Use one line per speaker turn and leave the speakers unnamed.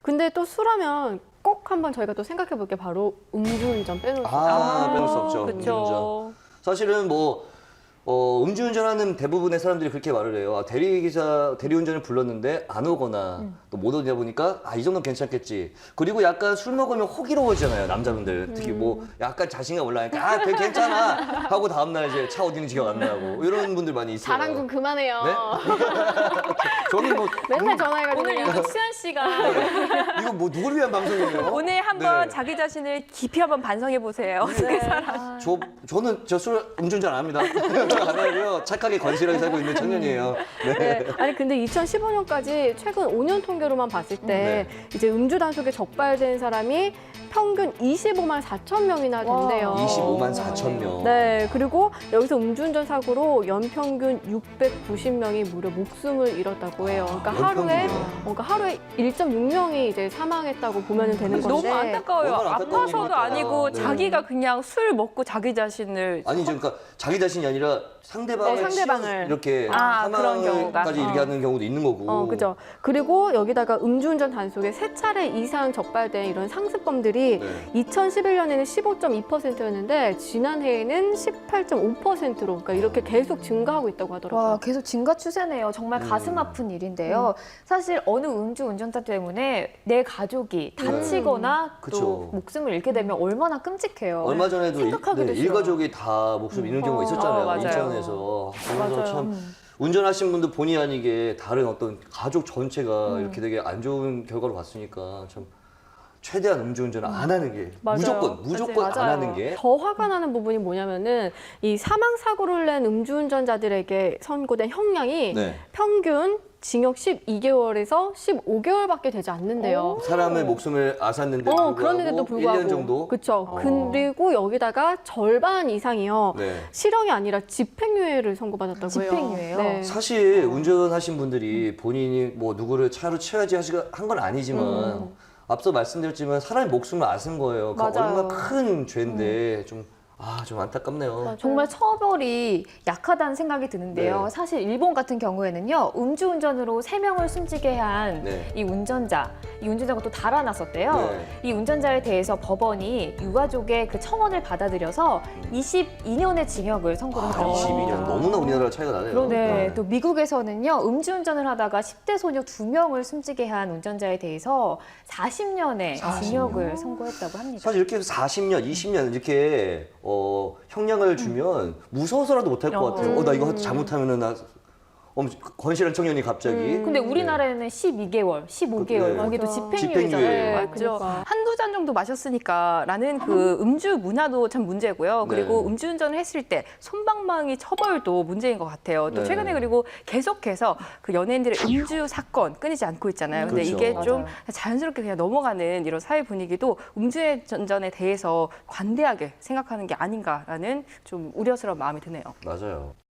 근데 또 술하면 꼭 한번 저희가 또 생각해 볼 게 바로 음주운전 빼놓을 수
빼놓을 수 없죠. 음주운전.
그렇죠.
사실은 뭐 음주운전하는 대부분의 사람들이 그렇게 말을 해요. 대리운전을 불렀는데 안 오거나 또 못 오다 보니까 이 정도는 괜찮겠지. 그리고 약간 술 먹으면 호기로워지잖아요, 남자분들. 특히 뭐 약간 자신감 올라가니까 괜찮아 하고 다음날 이제 차 어디는지 기억 안 나고 이런 분들 많이 있어요.
자랑 좀 그만해요.
네? 저는 뭐
맨날 전화해가지고
오늘
그냥.
유독 수현 씨가
이거 뭐 누구를 위한 방송이에요?
오늘 한번
네.
자기 자신을 깊이 한번 반성해 보세요. 어떻게 살아?
저는 음주운전 안 합니다. 안 하고요. 착하게 건실하게 살고 있는 청년이에요.
네. 아니 근데 2015년까지 최근 5년 통계로만 봤을 때 이제 음주 단속에 적발된 사람이 평균 25만 4천 명이나 된대요.
25만 4천 명.
네, 그리고 여기서 음주운전 사고로 연평균 690명이 무려 목숨을 잃었다고 해요. 그러니까 하루에 1.6명이 이제 사망했다고 보면 되는 건데.
너무 안타까워요.
얼마나 안타까운
아파서도
일일까.
아니고
네.
자기가 그냥 술 먹고 자기 자신을
아니죠. 그러니까 자기 자신이 아니라 상대방을
상대방을.
이렇게
그런 경우가.
사망까지 이렇게 하는 경우도 있는 거고.
그죠. 그리고 여기다가 음주운전 단속에 3차례 이상 적발된 이런 상습범들이 2011년에는 15.2%였는데 지난해에는 18.5%로 그러니까 이렇게 계속 증가하고 있다고 하더라고요.
와, 계속 증가 추세네요. 정말 가슴 아픈 일인데요. 사실 어느 음주운전자 때문에 내 가족이 다치거나
그쵸.
또 목숨을 잃게 되면 얼마나 끔찍해요.
얼마 전에도
생각하기도 싫어.
일가족이 다 목숨 잃는 경우가 있었잖아요.
맞아요.
인천에서. 그래서
맞아요.
참 운전하신 분도 본의 아니게 다른 어떤 가족 전체가 이렇게 되게 안 좋은 결과를 봤으니까 참 최대한 음주운전을 안 하는 게
맞아요.
무조건 안 하는 게
더 화가 나는 부분이 뭐냐면은 이 사망 사고를 낸 음주운전자들에게 선고된 형량이 평균 징역 12개월에서 15개월밖에 되지 않는데요.
사람의 목숨을 앗았는데 불구하고
그런데도 불구하고
1년 정도?
그렇죠. 그리고 여기다가 절반 이상이요.
네.
실형이 아니라 집행유예를 선고받았다고 해요.
집행유예요?
네.
사실 운전하신 분들이 본인이 뭐 누구를 차로 채워야지 한 건 아니지만 앞서 말씀드렸지만 사람의 목숨을 앗은 거예요. 그러니까
맞아요.
얼마나 큰 죄인데 좀 안타깝네요.
정말 처벌이 약하다는 생각이 드는데요.
네.
사실 일본 같은 경우에는요. 음주운전으로 3명을 숨지게 한 이 운전자가 또 달아났었대요.
네.
이 운전자에 대해서 법원이 유가족의 그 청원을 받아들여서 22년의 징역을 선고를 했다고
22년
합니다.
너무나 우리나라 차이가 나네요.
네, 또 미국에서는요. 음주운전을 하다가 10대 소녀 2명을 숨지게 한 운전자에 대해서 40년의 징역을 선고했다고 합니다.
사실 이렇게 40년, 20년 이렇게 형량을 주면 무서워서라도 못할 것 같아요. 나 이거 잘못하면은 나 건실한 청년이 갑자기.
근데 우리나라에는 12개월, 15개월, 거기도
집행유예.
집행유예잖아요.
그죠.
그러니까.
한두 잔 정도 마셨으니까라는 그 음주 문화도 참 문제고요. 그리고
네.
음주운전을 했을 때 솜방망이 처벌도 문제인 것 같아요. 또
네.
최근에 그리고 계속해서 그 연예인들의 음주 사건 끊이지 않고 있잖아요. 근데
그렇죠.
이게 좀
맞아요.
자연스럽게 그냥 넘어가는 이런 사회 분위기도 음주운전에 대해서 관대하게 생각하는 게 아닌가라는 좀 우려스러운 마음이 드네요.
맞아요.